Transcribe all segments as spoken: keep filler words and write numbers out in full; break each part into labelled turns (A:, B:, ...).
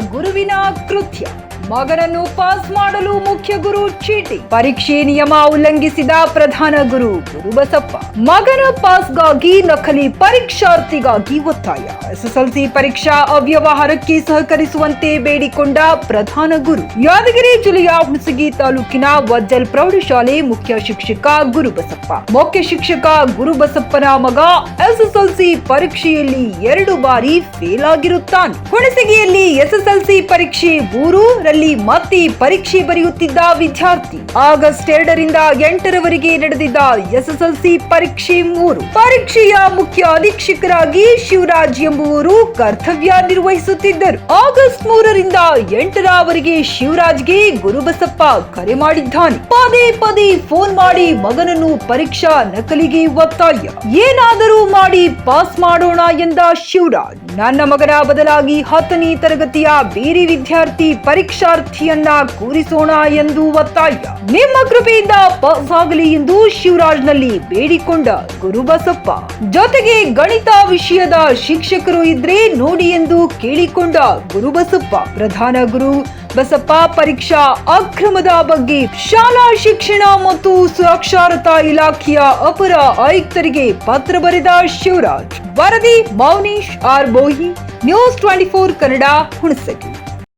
A: ಗುರುವಿನ ಕೃತ್ಯ. ಮಗನನ್ನು ಪಾಸ್ ಮಾಡಲು ಮುಖ್ಯ ಗುರು ಚೀಟಿ. ಪರೀಕ್ಷೆ ನಿಯಮ ಉಲ್ಲಂಘಿಸಿದ ಪ್ರಧಾನ ಗುರು ಗುರುಬಸಪ್ಪ. ಮಗನ ಪಾಸ್ಗಾಗಿ ನಕಲಿ ಪರೀಕ್ಷಾರ್ಥಿಗಾಗಿ ಒತ್ತಾಯ. ಎಸ್ಎಸ್ಎಲ್ಸಿ ಪರೀಕ್ಷಾ ಅವ್ಯವಹಾರಕ್ಕೆ ಸಹಕರಿಸುವಂತೆ ಬೇಡಿಕೊಂಡ ಪ್ರಧಾನ ಗುರು. ಯಾದಗಿರಿ ಜಿಲ್ಲೆಯ ಹುಣಸಗಿ ತಾಲೂಕಿನ ವಜ್ಜಲ್ ಪ್ರೌಢಶಾಲೆ ಮುಖ್ಯ ಶಿಕ್ಷಕ ಗುರುಬಸಪ್ಪ. ಮುಖ್ಯ ಶಿಕ್ಷಕ ಗುರುಬಸಪ್ಪನ ಮಗ ಎಸ್ಎಸ್ಎಲ್ಸಿ ಪರೀಕ್ಷೆಯಲ್ಲಿ ಎರಡು ಬಾರಿ ಫೇಲ್ ಆಗಿರುತ್ತಾನೆ. ಹುಣಸಗಿಯಲ್ಲಿ ಎಸ್ಎಸ್ಎಲ್ಸಿ ಪರೀಕ್ಷೆ ಮೂರು ರಲ್ಲಿ ಮತ್ತೆ ಪರೀಕ್ಷೆ ಬರೆಯುತ್ತಿದ್ದ ವಿದ್ಯಾರ್ಥಿ. ಆಗಸ್ಟ್ ಎರಡರಿಂದ ಎಂಟರವರೆಗೆ ನಡೆದಿದ್ದ ಎಸ್ಎಸ್ಎಲ್ಸಿ ಪರೀಕ್ಷೆ ಮೂರು ಪರೀಕ್ಷೆಯ ಮುಖ್ಯ ಅಧೀಕ್ಷಕರಾಗಿ ಶಿವರಾಜ್ ಎಂಬುವರು ಕರ್ತವ್ಯ ನಿರ್ವಹಿಸುತ್ತಿದ್ದರು. ಆಗಸ್ಟ್ ಮೂರರಿಂದ ಎಂಟರವರೆಗೆ ಶಿವರಾಜ್ಗೆ ಗುರುಬಸಪ್ಪ ಕರೆ ಮಾಡಿದ್ದಾನೆ. ಪದೇ ಪದೇ ಫೋನ್ ಮಾಡಿ ಮಗನನ್ನು ಪರೀಕ್ಷಾ ನಕಲಿಗೆ ಒತ್ತಾಯ. ಏನಾದರೂ ಮಾಡಿ ಪಾಸ್ ಮಾಡೋಣ ಎಂದ ಶಿವರಾಜ್. ನನ್ನ ಮಗನ ಬದಲಾಗಿ ಹತ್ತನೇ ತರಗತಿಯ ಬೇರೆ ವಿದ್ಯಾರ್ಥಿ ಪರೀಕ್ಷಾರ್ಥಿಯನ್ನ ಕೂರಿಸೋಣ ಎಂದು ಒತ್ತಾಯ. ನಿಮ್ಮ ಕೃಪೆಯಿಂದ ಪಾಸ್ ಆಗಲಿ ಎಂದು ಶಿವರಾಜ್ನಲ್ಲಿ ಬೇಡಿಕೊಂಡ ಗುರುಬಸಪ್ಪ. ಜೊತೆಗೆ ಗಣಿತ ವಿಷಯದ ಶಿಕ್ಷಕರು ಇದ್ರೆ ನೋಡಿ ಎಂದು ಕೇಳಿಕೊಂಡ ಗುರುಬಸಪ್ಪ. ಪ್ರಧಾನ ಗುರು ಬಸಪ್ಪ ಪರೀಕ್ಷಾ ಅಕ್ರಮದ ಬಗ್ಗೆ ಶಾಲಾ ಶಿಕ್ಷಣ ಮತ್ತು ಸಾಕ್ಷರತಾ ಇಲಾಖೆಯ ಅಪರ ಆಯುಕ್ತರಿಗೆ ಪತ್ರ ಬರೆದ ಶಿವರಾಜ್. ವರದಿ Mounesh R Bohi, news twenty four Kannada, Hunasagi.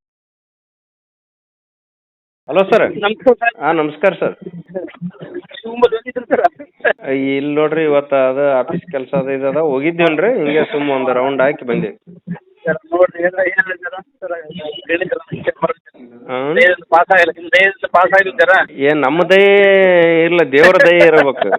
B: Hello sir. ಹಾಂ ನಮಸ್ಕಾರ ಸರ್. ಇಲ್ಲಿ ನೋಡ್ರಿ ಇವತ್ತು ಅದು ಆಫೀಸ್ ಕೆಲಸ ಅದು ಇದದ ಹೋಗಿದ್ದೇವನ್ ರೀ, ಹಿಂಗೆ ಸುಮ್ಮ ಒಂದು ರೌಂಡ್ ಹಾಕಿ ಬಂದೇವಿ. ಏನ್ ನಮ್ಮ ದಯ ಇಲ್ಲ, ದೇವ್ರ ದಯ ಇರಬೇಕು.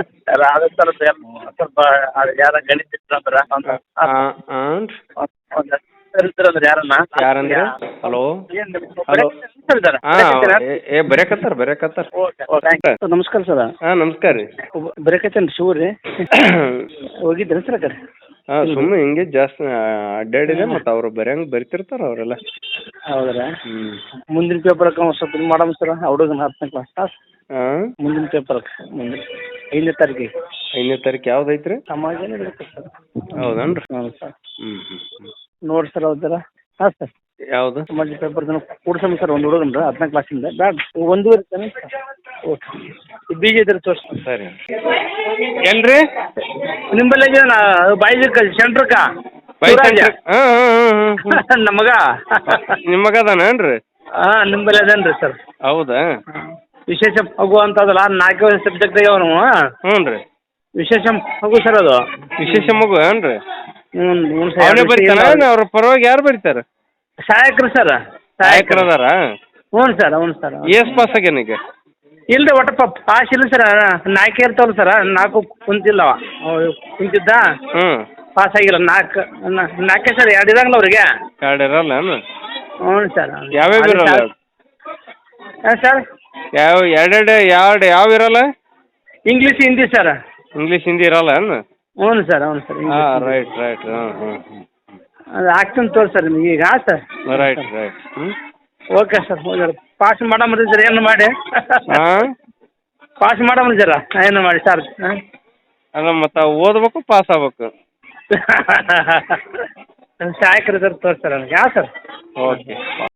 B: ಯಾರಂದ್ರೆ ಹಲೋ ಹಲೋ ಹಾಂ ಏ ಬರೆಯಕತ್ತಾರ ಬರೆಯಕತ್ತಾರ.
C: ನಮಸ್ಕಾರ ಸರ್.
B: ಹಾಂ ನಮಸ್ಕಾರ ರೀ.
C: ಬರೆಯಕತ್ತೇನು ಶಿವ ರೀ. ಹೋಗಿದ್ರಿ ಸರ್ ಆ ಕಡೆ?
B: ಹಾಂ ಸುಮ್ಮನೆ ಹಿಂಗೆ ಜಾಸ್ತಿ ಅಡ್ಡಾಡಿದೆ, ಮತ್ತು ಅವ್ರು ಬರೆಯಂಗೆ ಬರಿತಿರ್ತಾರ ಅವರೆಲ್ಲ.
C: ಹೌದ್ರಾ?
B: ಹ್ಞೂ
C: ಮುಂದಿನ ಪೇಪರ್ ಸ್ವಲ್ಪ ಇದು ಮಾಡಮ್ ಸರ್, ಹುಡುಗನ ಹತ್ತನೇ ಕ್ಲಾಸ್.
B: ಹಾಂ
C: ಮುಂದಿನ ಪೇಪರ್ ಮುಂದಿನ ಐದನೇ ತಾರೀಕಿಗೆ.
B: ಐದನೇ ತಾರೀಕು ಯಾವ್ದು ಐತ್ರಿ?
C: ಸಮಾಜನೇ ಇರುತ್ತೆ ಸರ್.
B: ಹೌದನ್ರಿ?
C: ಹ್ಞೂ ಸರ್.
B: ಹ್ಞೂ ಹ್ಞೂ ಹ್ಞೂ
C: ನೋಡಿ ಸರ್ ಹೌದರ. ಹಾಂ ಸರ್.
B: ಯಾವುದು?
C: ಸಮಾಜ ಪೇಪರ್ ಕೂಡ್ಸಮ್ ಸರ್, ಒಂದು ಹುಡುಗನ್ರ ಹತ್ತನೇ ಕ್ಲಾಸಿಂದ ಬ್ಯಾಡ ಒಂದೂವರೆ ತಾನೆ. ಓಕೆ ಬೀಜ ಇದ್ರೆ ತೋರಿಸಿ.
B: ಸರಿ ಎಲ್ರಿ
C: ನಿಂಬಲ್ಲಿ ಬಾಯ್ಜಕ್ಕ ಸೆಂಟ್ರಕ್ಕ ನಮಗ
B: ನಿಮ್ಮ ಮಗ ಅದಾನೇನ್ರಿ?
C: ಹಾಂ ನಿಂಬಲ್ಲಿ ಅದೇನ್ರಿ ಸರ್?
B: ಹೌದಾ?
C: ವಿಶೇಷ ಮಗು ಅಂತದಲ್ಲ, ನಾಲ್ಕು ಸಬ್ಜೆಕ್ಟ್ ಆಗ್ಯಾವ ನಾವು.
B: ಹ್ಞೂ ರೀ.
C: ವಿಶೇಷ ಮಗು ಸರ್ ಅದು.
B: ವಿಶೇಷ ಮಗು ಏನ್ರಿ?
C: ಹ್ಞೂ ಹ್ಞೂ
B: ಅವನೇ ಬರೀತಾನ? ಅವ್ರ ಪರವಾಗಿ ಯಾರು ಬರೀತಾರ?
C: ಸಹಾಯಕರು ಸರ್.
B: ಸಹಾಯಕರು ಅದಾರ?
C: ಹ್ಞೂ ಸರ್. ಹ್ಞೂ ಸರ್.
B: ಎಸ್ ಪಾಸ್ ಆಗ್ಯಾನ ಈಗ?
C: ಇಲ್ಲ ರೀ, ಒಟ್ಟು ಪಾಸ್ ಇಲ್ಲ ಸರ್. ನಾಲ್ಕು ಇರ್ತಾವಲ್ಲ ಸರ್, ನಾಲ್ಕು ಕುಂತಿಲ್ಲ ಕುಂತಿದ್ದ.
B: ಹ್ಞೂ
C: ಪಾಸ್ ಆಗಿಲ್ಲ. ನಾಲ್ಕು ನಾಲ್ಕೇ ಸರ್, ಎರಡು ಇರಂಗಿಲ್ಲ ಅವ್ರಿಗೆ.
B: ಎರಡು ಇರಲ್ಲ?
C: ಹ್ಞೂ ಸರ್.
B: ಯಾವ್ಯಾವ ಇರಲ್ಲ?
C: ಹಾಂ ಸರ್.
B: ಯಾವ ಎರಡೆರಡು ಎರಡು ಯಾವ ಇರಲ್ಲ?
C: English Hindi sir.
B: English Hindi ಇರಲ್ಲ?
C: ಹ್ಞೂ ಸರ್. ಹ್ಞೂ ಸರ್.
B: ಹಾಂ ರೈಟ್ ರೈಟ್. ಹಾಂ ಹಾಂ
C: ಅದು ಆಗ್ತೀನಿ ತೋರಿ ಸರ್ ನಿಮಗೆ ಈಗ. ಹಾಂ ಸರ್.
B: Right right. ಹ್ಞೂ
C: ಓಕೆ ಸರ್. ಹೋಗ್ಯಾರ ಪಾಸ್ ಮಾಡಮ್ರಿ ಸರ್, ಏನು ಮಾಡಿ.
B: ಹಾಂ
C: ಪಾಸ್ ಮಾಡಮ್ರಿ ಸರ, ಏನು ಮಾಡಿ ಸರ್. ಹಾಂ
B: ಅಲ್ಲ ಮತ್ತು ಓದ್ಬೇಕು, ಪಾಸ್ ಆಗ್ಬೇಕು.
C: ಸಹಾಯಕರು ಸರ್ ತೋರಿಸ್ತಾರೆ ನನಗೆ. ಹಾಂ ಸರ್.
B: ಓಕೆ.